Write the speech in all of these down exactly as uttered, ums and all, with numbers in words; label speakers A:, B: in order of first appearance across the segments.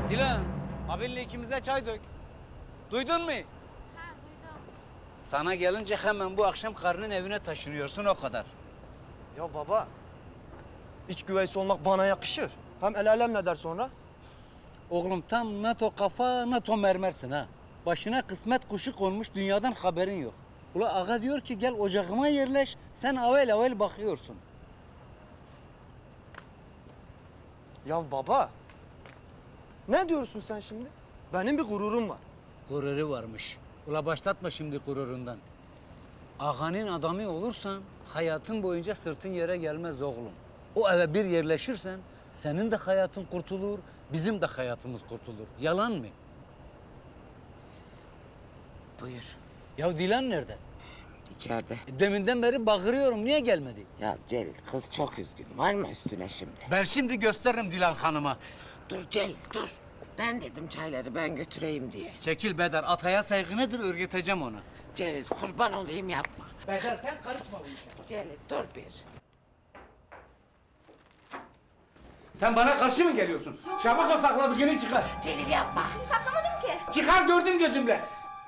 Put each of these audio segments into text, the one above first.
A: Dilan, abinle ikimize çay dök. Duydun mu?
B: Ha duydum.
A: Sana gelince hemen bu akşam karının evine taşınıyorsun, o kadar.
C: Ya baba, iç güveysi olmak bana yakışır. Hem el alem ne der sonra?
A: Oğlum tam NATO kafa, NATO mermersin ha. Başına kısmet kuşu konmuş, dünyadan haberin yok. Ula ağa diyor ki gel ocağıma yerleş, sen avel avel bakıyorsun.
C: Ya baba, ne diyorsun sen şimdi? Benim bir gururum var.
A: Gururu varmış. Ula başlatma şimdi gururundan. Ağanın adamı olursan hayatın boyunca sırtın yere gelmez oğlum. O eve bir yerleşirsen senin de hayatın kurtulur, bizim de hayatımız kurtulur. Yalan mı?
D: Buyur.
A: Ya Dilan nerede?
D: İçeride.
A: E, Deminden beri bağırıyorum, niye gelmedi?
D: Ya Celil kız çok üzgün. Var mı üstüne şimdi?
A: Ben şimdi gösteririm Dilan Hanım'a.
D: Dur Celil dur. Ben dedim çayları ben götüreyim diye.
A: Çekil Bedar, ataya saygı nedir örgüteceğim onu.
D: Celil kurban olayım yapma.
A: Bedar sen karışma bu işe.
D: Celil dur bir.
A: Sen bana karşı mı geliyorsun? Çabuk o sakladığını çıkar.
D: Celil yapma.
B: Saklamadım ki.
A: Çıkar, gördüm gözümle.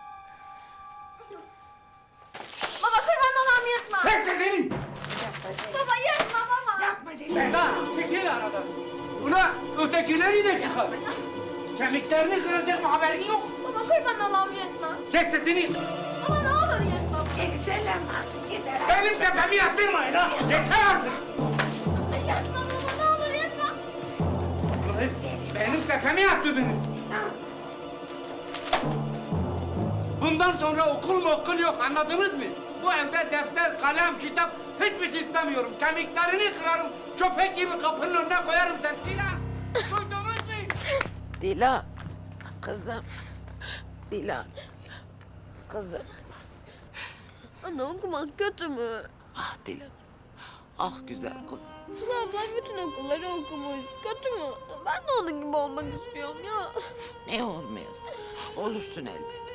B: Baba kurban olam yırtma.
A: Çek sesini.
B: Baba yırtma baba.
D: Yapma Celil.
A: Bedar çekil aradan. Ula ötekileri de çıkar. Kemiklerini kıracak mı, haberin yok?
B: Baba kurban olam yırtma.
A: Kes sesini.
B: Baba ne olur yırtma.
D: Celil delenme artık yeter.
A: Benim tepemi yaptırmayın ha. Yeter artık.
B: Yırtma baba ne olur yırtma.
A: Ulan benim tepemi yaptırdınız. Bundan sonra okul mu okul yok, anladınız mı? Bu evde defter, kalem, kitap hiçbir şey istemiyorum. Kemiklerini kırarım, köpek gibi kapının önüne koyarım sen. Dilan, duydunuz mu?
D: Dilan. Kızım. Dilan. Kızım.
B: Anne okumak kötü mü?
D: Ah Dilan. Ah güzel kızım.
B: Sıla abla bütün okulları okumuş. Kötü mü? Ben de onun gibi olmak istiyorum ya.
D: Ne olmayasın? Olursun elbet.